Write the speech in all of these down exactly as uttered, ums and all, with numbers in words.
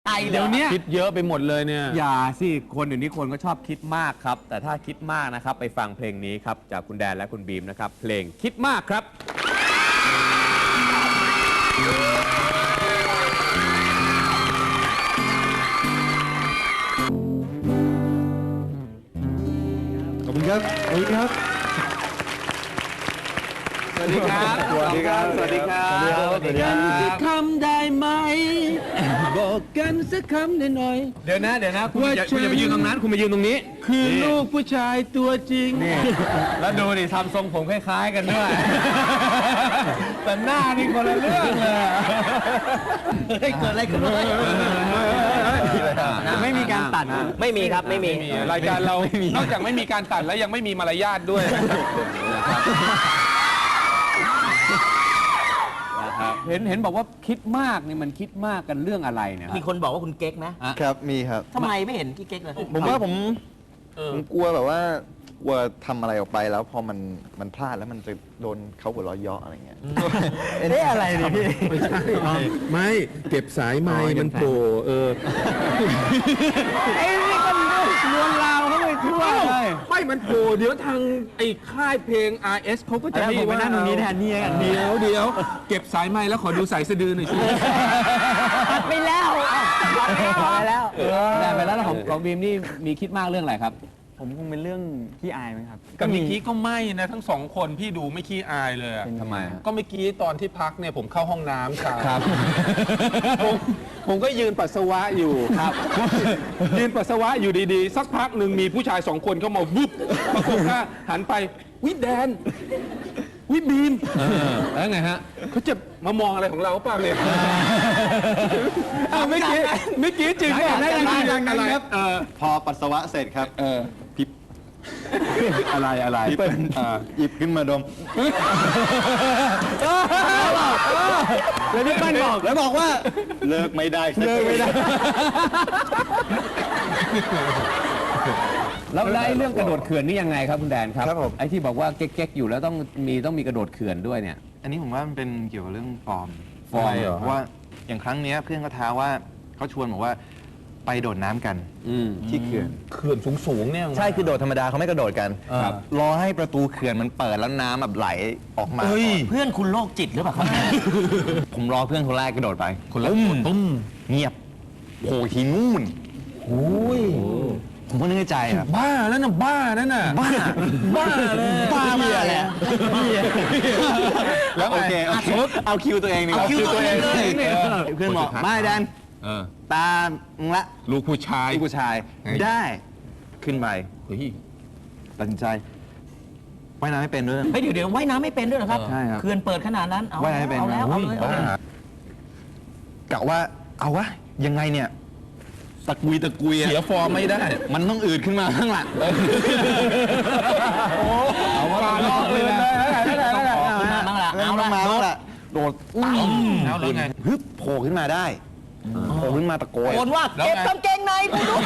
ไอเดี๋ยวนี้คิดเยอะไปหมดเลยเนี่ยอย่าสิคนเดี๋ยวนี้คนก็ชอบคิดมากครับแต่ถ้าคิดมากนะครับไปฟังเพลงนี้ครับจากคุณแดนและคุณบีมนะครับเพลงคิดมากครับขอบคุณครับขอบคุณครับสวัสดีครับสวัสดีครับสวัสดีครับสวัสดีครับสักคำได้ไหมบอกกันสักคำหน่อยเดี๋ยวนะเดี๋ยวนะคุณอย่าคุณอย่าไปยืนตรงนั้นคุณมายืนตรงนี้คือลูกผู้ชายตัวจริงแล้วดูดิทำทรงผมคล้ายๆกันด้วยแต่หน้านี่คนละเรื่องเลยเกิดอะไรขึ้นเลยไม่มีการตัดไม่มีครับไม่มีรายการเรานอกจากไม่มีการตัดแล้วยังไม่มีมารยาทด้วยเห็นเห็นบอกว่าคิดมากนี่มันคิดมากกันเรื่องอะไรเนี่ยมีคนบอกว่าคุณเก๊กไหมครับมีครับทำไมไม่เห็นพี่เก๊กเลยผมว่าผมผมกลัวแบบว่ากลัวทำอะไรออกไปแล้วพอมันมันพลาดแล้วมันจะโดนเขาหัวเราะเยาะอะไรเงี้ยเอ๊ะอะไรนี่พี่ไม่ใช่ไม่เก็บสายไม้มันโผล่เออไอ้นี่ก็ลวนลามเขาไปทั่วเลยไม่มันโผล่เดี๋ยวทางไอ้ค่ายเพลง อาร์ เอส เขาก็จะมีว่านั่งตรงนี้แทนนี่กันเดี๋ยวเดี๋ยวเก็บสายไม้แล้วขอดูสายสะดือหน่อยสิตัดไปแล้วตัดไปแล้วแต่ไปแล้วของของบีมนี่มีคิดมากเรื่องอะไรครับผมคงเป็นเรื่องขี้อายมั้งครับก็เมื่อกี้ก็ไม่นะทั้งสองคนพี่ดูไม่ขี้อายเลยทำไมก็เมื่อกี้ตอนที่พักเนี่ยผมเข้าห้องน้ำครับผมผมก็ยืนปัสสาวะอยู่ครับยืนปัสสาวะอยู่ดีๆสักพักหนึ่งมีผู้ชายสองคนเข้ามาวุบปรากฏว่าหันไปวิแดนวิบีมแล้วไงฮะเขาจะมามองอะไรของเราเปล่าเนี่ยอ้าวเมื่อกี้เมื่อกี้จริงป่ะได้อะไรครับพอปัสสาวะเสร็จครับพิบอะไรอะไรพิบหยิบขึ้นมาดมแล้วนี่ปั้นบอกแล้วบอกว่าเลิกไม่ได้เลิกไม่ได้แล้วไอ้เรื่องกระโดดเขื่อนนี่ยังไงครับคุณแดนครับไอ้ที่บอกว่าเก๊กๆอยู่แล้วต้องมีต้องมีกระโดดเขื่อนด้วยเนี่ยอันนี้ผมว่ามันเป็นเกี่ยวกับเรื่องฟอร์มฟอร์มเหรอว่าอย่างครั้งนี้เพื่อนก็ท้าว่าเขาชวนบอกว่าไปโดดน้ำกันที่เขื่อนเขื่อนสูงๆเนี่ยใช่คือโดดธรรมดาเขาไม่กระโดดกันรอให้ประตูเขื่อนมันเปิดแล้วน้ำแบบไหลออกมาเพื่อนคุณโรคจิตหรือเปล่าครับผมรอเพื่อนคนแรกกระโดดไปคนแรกตุ้มเงียบโผล่ทีนู่นโอ้ยผมก็นึกในใจอะบ้าแล้วนะบ้านั่นน่ะบ้าบ้าเลยบ้าเหี้ยแหละแล้วโอเคเอาคิวตัวเองเอาคิวตัวเองเพื่อนบอกไม่แดนตามละลูกผู้ชายลูกผู้ชายได้ขึ้นไปตัดสินใจว่ายน้ำไม่เป็นด้วยเฮ้ยเดี๋ยวเดี๋ยวว่ายน้ำไม่เป็นด้วยเหรอครับใช่ครับเขื่อนเปิดขนาดนั้นเอาว่ายน้ำไม่เป็นเอาแล้วเอาเลยกะว่าเอาวะยังไงเนี่ยตะกุยตะกุยเสียฟอร์มไม่ได้มันต้องอืดขึ้นมาข้างหลังเอาว่าลอกเลยนะบ้างละเอาละมาแล้วละโดดเอาแล้วไงฮึบโผล่ขึ้นมาได้โผล่ขึ้นมาตะโกนโกนว่าเก็บกางเกงในไปดู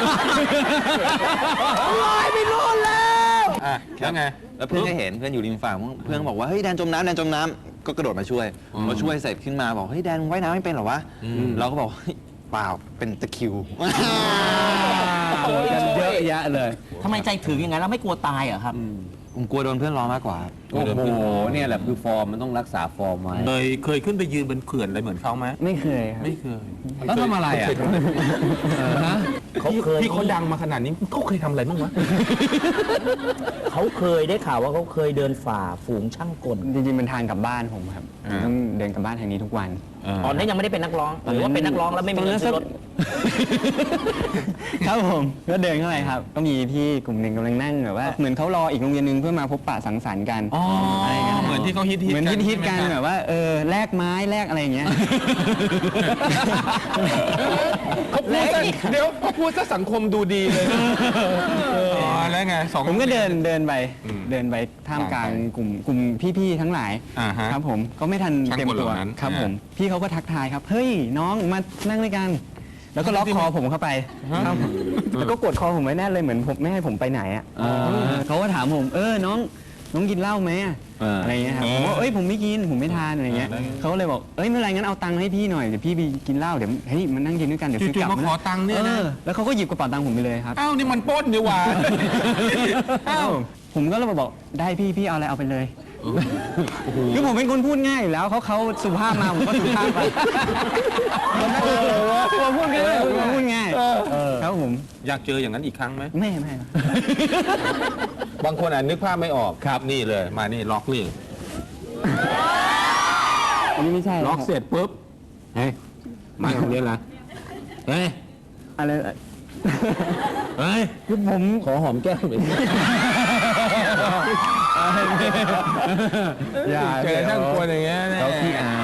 ลอยไปนู่นแล้วแล้วไงแล้วเพื่อนก็เห็นเพื่อนอยู่ริมฝั่งเพื่อนบอกว่าเฮ้ยแดนจมน้ำแดนจมน้ำก็กระโดดมาช่วยมาช่วยเสร็จขึ้นมาบอกเฮ้ยแดนว่ายน้ำไม่เป็นหรอวะเราก็บอกเปล่าเป็นตะคิวเจอกันเยอะแยะเลยทำไมใจถึงอย่างนั้นแล้วไม่กลัวตายเหรอครับผมกลัวโดนเพื่อนล้อมากกว่าโอ้โหเนี่ยแหละคือฟอร์มมันต้องรักษาฟอร์มไว้เคยเคยขึ้นไปยืนบนเขื่อนอะไรเหมือนเขาไหมไม่เคยครับไม่เคยแล้วทำอะไรอ่ะเขาเคยที่เขาดังมาขนาดนี้เขาเคยทำอะไรบ้างวะเขาเคยได้ข่าวว่าเขาเคยเดินฝ่าฝูงช่างกลจริงๆเป็นทางกลับบ้านผมครับต้องเดินกลับบ้านทางนี้ทุกวันตอนนี้ยังไม่ได้เป็นนักร้องหรือว่าเป็นนักร้องแล้วไม่มีเงินซื้อรถครับผมก็เดินเข้าไปครับก็มีพี่กลุ่มหนึ่งกำลังนั่งแบบว่าเหมือนเขารออีกโรงเรียนนึงเพื่อมาพบปะสังสรรค์กันอะไรกันเหมือนที่เขาฮิตฮิตเหมือนฮิตฮิตกันแบบว่าเออแลกไม้แลกอะไรอย่างเงี้ยเขาพูดเดี๋ยวเขาพูดซะสังคมดูดีเลยอ๋อแล้วไงสองผมก็เดินเดินไปเดินไปท่ามกลางกลุ่มกลุ่มพี่ๆทั้งหลายครับผมก็ไม่ทันเต็มตัวครับผมพี่เขาก็ทักทายครับเฮ้ยน้องมานั่งด้วยกันแล้วก็ล็อกคอผมเข้าไปแล้วก็กดคอผมไว้แน่นเลยเหมือนผมไม่ให้ผมไปไหนอ่ะเขาก็ถามผมเออน้องน้องกินเหล้าไหมอะอะไรเงี้ยครับผมว่าเอ้ยผมไม่กินผมไม่ทานอะไรเงี้ยเขาก็เลยบอกเอ้ยไม่เป็นไรงั้นเอาตังค์ให้พี่หน่อยเดี๋ยวพี่ไปกินเหล้าเดี๋ยวเฮ้ยมันนั่งกินด้วยกันเดี๋ยวซื้อกลับจู่ๆมาขอตังค์เนี่ยนะออแล้วเขาก็หยิบกระเป๋าตังค์ผมไปเลยครับอ้าวนี่มันปล้นดีหว่าอ้าวผมก็เลยบอกได้พี่พี่เอาอะไรเอาไปเลยคือผมเป็นคนพูดง่ายอยู่แล้วเขาเขาสุภาพมาผมก็สุภาพไปผมพูดง่ายผมพูดง่ายครับผมอยากเจออย่างนั้นอีกครั้งไหมไม่ไม่บางคนอ่านนึกภาพไม่ออกครับนี่เลยมานี่ล็อกนี่อันนี้ไม่ใช่ล็อกเสร็จปุ๊บเฮ้ยมาตรงนี้ละเฮ้ยอะไรเฮ้ยคือผมขอหอมแก้มหน่อยอย่าเจอช่างกวนอย่างเงี้ยแน่เขาขี้อาย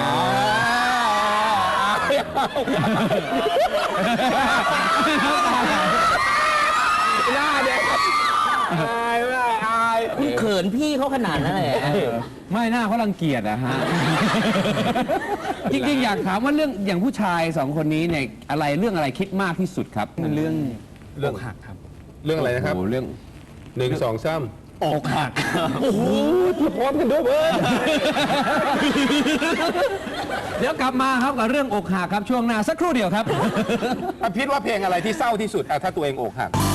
หน้าเด็กอายไม่อายคุณเขินพี่เขาขนาดนั้นเลยเหรอไม่น่าเขารังเกียจอะฮะ จริงๆ อยากถามว่าเรื่องอย่างผู้ชายสองคนนี้เนี่ยอะไรเรื่องอะไรคิดมากที่สุดครับมันเรื่องเรื่องหักครับเรื่องอะไรนะครับโอ้โหเรื่องหนึ่งสองสามอกหักพร้อมกันด้วยเว้ยเดี๋ยวกลับมาครับกับเรื่องอกหักครับช่วงหน้าสักครู่เดียวครับอภิษว่าเพลงอะไรที่เศร้าที่สุดอ่ะถ้าตัวเองอกหัก